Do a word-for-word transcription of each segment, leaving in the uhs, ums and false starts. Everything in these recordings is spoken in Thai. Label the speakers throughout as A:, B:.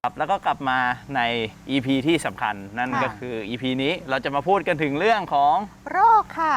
A: ครับแล้วก็กลับมาใน อี พี ที่สำคัญนั่นก็คือ อี พี นี้เราจะมาพูดกันถึงเรื่องของ
B: โรคค่ะ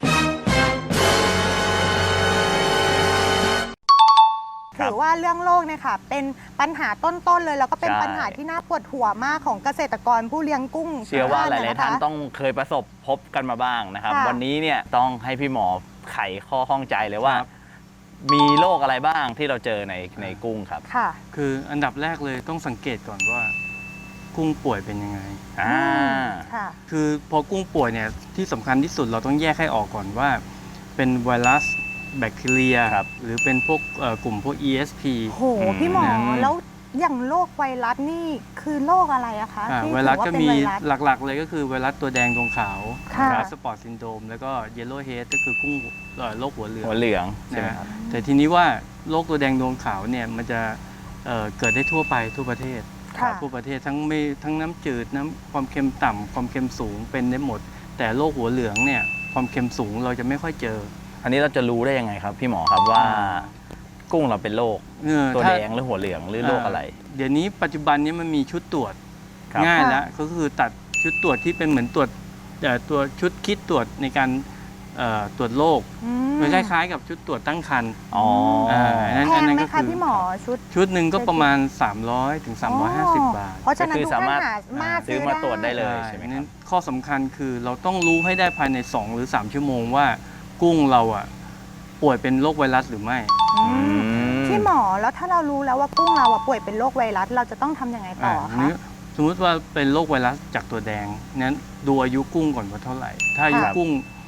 B: ถือว่าเรื่องโรคเนี่ยค่ะเป็นปัญหาต้นๆเลยแล้วก็เป็นปัญหาที่น่าปวดหัวมากของเกษตรกรผู้เลี้ยงกุ้ง
A: เชื่อว่าหลายๆท่านต้องเคยประสบพบกันมาบ้างนะครับวันนี้เนี่ยต้องให้พี่หมอไขข้อข้องใจเลยว่ามีโรคอะไรบ้างที่เราเจอในในกุ้งครับ
B: ค่ะ
C: คืออันดับแรกเลยต้องสังเกตก่อนว่ากุ้งป่วยเป็นยังไง
A: อ่า
B: ค่ะ
C: คือพอกุ้งป่วยเนี่ยที่สำคัญที่สุดเราต้องแยกให้ออกก่อนว่าเป็นไวรัสแบคทีเรียหรือเป็นพวกกลุ่มพวก อี เอส พี
B: โหพี่หมอแล้วอย่างโรคไวรัสนี่คือโรคอะไรอะคะ
C: ไวรัสก็มีหลักๆเลยก็คือไวรัสตัวแดงดวงขาวสปอร์ตซินโดรมแล้วก็เยลโล่เฮดก็คือกุ้งโรคหัวเหลือง
A: หัวเหลืองใช่ไหมครับ
C: แต่ทีนี้ว่าโรคตัวแดงดวงขาวเนี่ยมันจะเกิดได้ทั่วไปทั่วประเทศทั่วประเทศทั้งไม่ทั้งน้ำจืดน้ำความเค็มต่ำความเค็มสูงเป็นได้หมดแต่โรคหัวเหลืองเนี่ยความเค็มสูงเราจะไม่ค่อยเจอ
A: อันนี้เราจะรู้ได้ยังไงครับพี่หมอครับว่ากุ้งเราเป็นโรคตัวแดงหรือหัวเหลืองหรือโรคอะไร
C: เดี๋ยวนี้ปัจจุบันนี้มันมีชุดตรวจง่ายแล้วก็คือตัดชุดตรวจที่เป็นเหมือนตรวจตัวชุดคิดตรวจในการตรวจโรคมันคล้ายๆกับชุดตรวจตั้งครรภ์
A: อ๋อ
B: แพงไหมคะพี่หมอชุด
C: ชุดหนึ่งก็ประมาณสามร้อยถึงสามร้อยห้าสิบบาท
B: เพราะฉะนั้นทุกท่านมา
A: ซื้อมาตรวจได้เลยใช่ไหมครับ
C: ข้อสำคัญคือเราต้องรู้ให้ได้ภายในสองหรือสามชั่วโมงว่ากุ้งเราอ่ะป่วยเป็นโรคไวรัสหรือไม่
B: พี่หมอแล้วถ้าเรารู้แล้วว่ากุ้งเราป่วยเป็นโรคไวรัสเราจะต้องทำยังไงต่อคะ
C: สมมติว่าเป็นโรคไวรัสจากตัวแดงนั้นดูอายุกุ้งก่อนว่าเท่าไหร่ถ้าอายุกุ้ง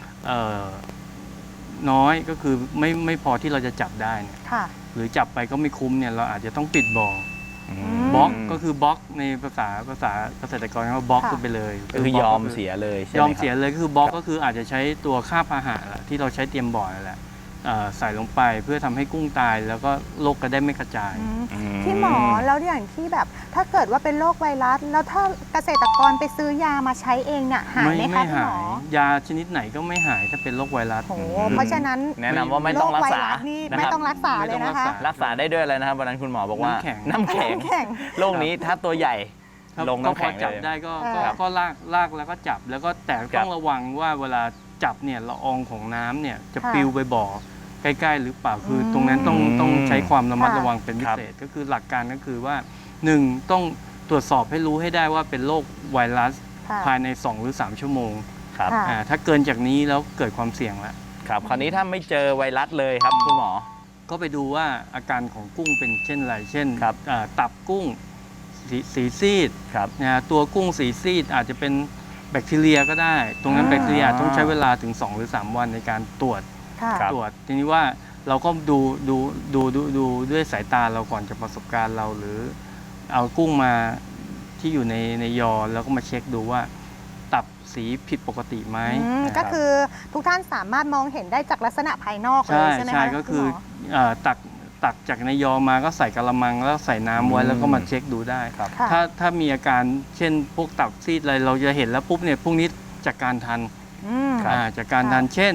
C: น้อยก็คือไม่ไม่พอที่เราจะจับได้เนี่ยหรือจับไปก็ไม่คุ้มเนี่ยเราอาจจะต้องปิดบ่อบล็อกก็คือบล็อกในภาษาภาษาเกษตรกรเขาบล็อกไปเลย
A: ก็คือยอมเสียเลย
C: ยอมเสียเลยก็คือบล็อกก็คืออาจจะใช้ตัวค่าพาหะที่เราใช้เตรียมบ่อแหละใส่ลงไปเพื่อทำให้กุ้งตายแล้วก็โรคก็ได้ไม่กระจาย
B: พี่หมอแล้วอย่างที่แบบถ้าเกิดว่าเป็นโรคไวรัสแล้วถ้าเกษตรกรไปซื้อยามาใช้เองเนี่ยหายไหมคะพี่หมอย
C: าชนิดไหนก็ไม่หายถ้าเป็นโรคไวรัส
B: โอ้เพราะฉะนั้น
A: แนะนำว่าไม่ต้องรักษา
B: ไม่ต้องรักษาเลยนะคะ
A: รักษาได้ด้วยอะไรนะครับวันนั้นคุณหมอบอกว่าน้ำแข็งโรคนี้ถ้าตัวใหญ่ลงน้ำแข็ง
C: จับได้ก็ก็ลากลากแล้วก็จับแล้วก็แต่ต้องระวังว่าเวลาจับเนี่ยละอองของน้ำเนี่ยจะปลิวไปบ่อใกล้ๆหรือเปล่าคือตรงนั้นต้องต้องใช้ความระมัดระวังเป็นพิเศษก็คือหลักการก็คือว่าหนึ่งต้องตรวจสอบให้รู้ให้ได้ว่าเป็นโรคไวรัสภายในสองหรือสามชั่วโมง
A: ครับ
C: ถ้าเกินจากนี้แล้วเกิดความเสี่ยงแล้ว
A: ครับคราวนี้ถ้าไม่เจอไวรัสเลยครับคุณหมอ
C: ก็ไปดูว่าอาการของกุ้งเป็นเช่นไรเช่นตับกุ้งสีซีดนะตัวกุ้งสีซีดอาจจะเป็นแบคทีเรียก็ได้ตรงนั้นแบคทีเรียต้องใช้เวลาถึงสองหรือสามวันในการตรวจตรวจทีนี้ว่าเราก็ดูดูดูดูดูด้วยสายตาเราก่อนจากประสบการณ์เราหรือเอากุ้งมาที่อยู่ในในยอแล้วก็มาเช็คดูว่าตับสีผิดปกติไหม
B: ก็คือทุกท่านสามารถมองเห็นได้จากลักษณะภายนอกเลยใช่ไหมคะ
C: ใช่ก็คือตักตักจากในยอมาก็ใส่กระมังแล้วใส่น้ำไว้แล้วก็มาเช็คดูได้ถ้าถ้ามีอาการเช่นพวกตับซีดอะไรเราจะเห็นแล้วปุ๊บเนี่ยพวกนี้จากการทันจากการทันเช่น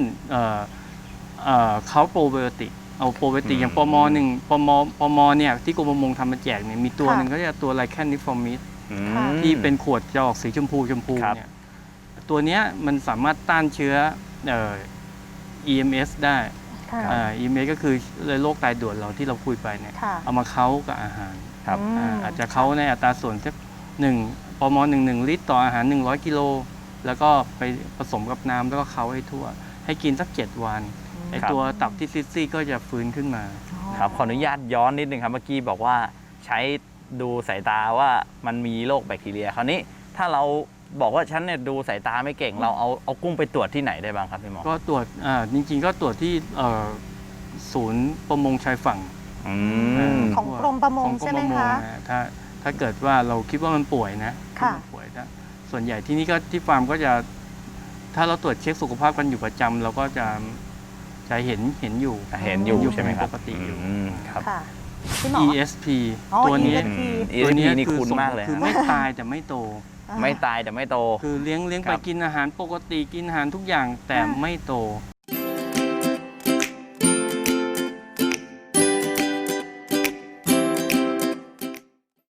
C: เขาโปรไบโอติกเอาโปรไบโอติกอย่างปมหนึ่งปมปมเนี่ยที่กรมประมงทำมาแจกเนี่ยมีตัวหนึ่งก็จะตัวไลแคนนิฟอร์มิสที่เป็นขวดจะออกสีชมพูชมพูเนี่ยตัวเนี้ยมันสามารถต้านเชื้อ อี เอ็ม เอส ได้ อี เอ็ม เอส ก็คือโรคตายด่วนเราที่เราคุยไปเนี่ยเอามาเค้ากับอาหารอาจจะเค้าในอัตราส่วนสักหนึ่งปมหนึ่งหนึ่งลิตรต่ออาหารหนึ่งร้อยกิโลแล้วก็ไปผสมกับน้ำแล้วก็เค้าให้ทั่วให้กินสักเจ็ดวันไอตัวตับที่ซิสซี่ก็จะฟื้นขึ้นมา
A: ครับขออนุญาตย้อนนิดนึงครับเมื่อกี้บอกว่าใช้ดูสายตาว่ามันมีโรคแบคทีเรียคราวนี้ถ้าเราบอกว่าฉันเนี่ยดูสายตาไม่เก่งเราเอาเอากุ้งไปตรวจที่ไหนได้บ้างครับพี่หมอ
C: ก็ตรวจอ่าจริงๆก็ตรวจที่ศูนย์ประมงชายฝั่ง
B: ของกรมประมงใช่ไหมคะ
C: ถ้าถ้าเกิดว่าเราคิดว่ามันป่วยนะป่วยนะส่วนใหญ่ที่นี่ก็ที่ฟาร์มก็จะถ้าเราตรวจเช็คสุขภาพกันอยู่ประจำเราก็จะจะเห็นเห็นอยู่
A: เห็นอยู่ใช่ไหมครับ
C: ปกติอยู่
A: ครับ
C: อี เอส พี ตัวนี้
A: ตัวนี้นี่คุ้นมากเลย
C: คือไม่ตายแต่ไม่โต
A: ไม่ตายแต่ไม่โต
C: คือเลี้ยงเลี้ยงไปกินอาหารปกติกินอาหารทุกอย่างแต่ไม่โต